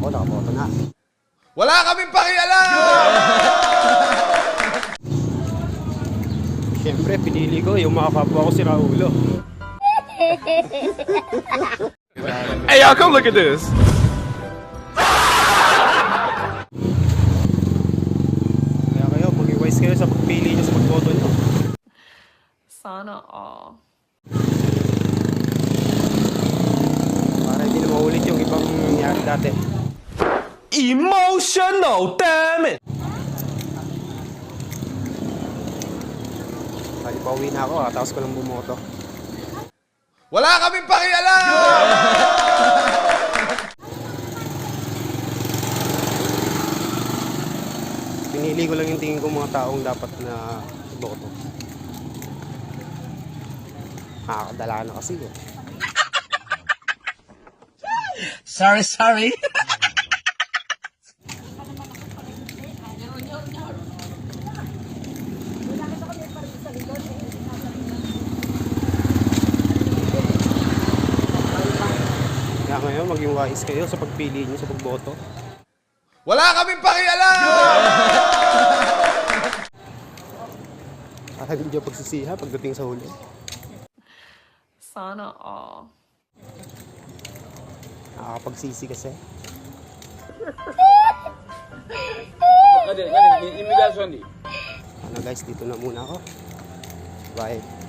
Ako, nakaboto na. Wala kaming pakialam! Siyempre, pinili ko yung mga kapwa ko si Raulo. Hey, y'all, come look at this. Kaya kayo, maging wise kayo sa pagpili nyo sa pagboto nyo. Sana all. Para hindi na maulit yung ibang nangyari dati. Emotional, damn it! Bali, pauwi na ako, tapos ko lang bumoto. Wala kaming pakialam! Pinili ko lang yung tingin ko mga taong dapat na boto. Nakakadala na kasi eh. Sorry. Kaya ngayon, maging wise kayo sa pagpili nyo sa pagboto. Wala kaming pakialam! Para hindi nyo pagsisiha pagdating sa huli. Sana all. Nakakapagsisi kasi. Imigrasyon di. Ano guys, dito na muna ako. Bye.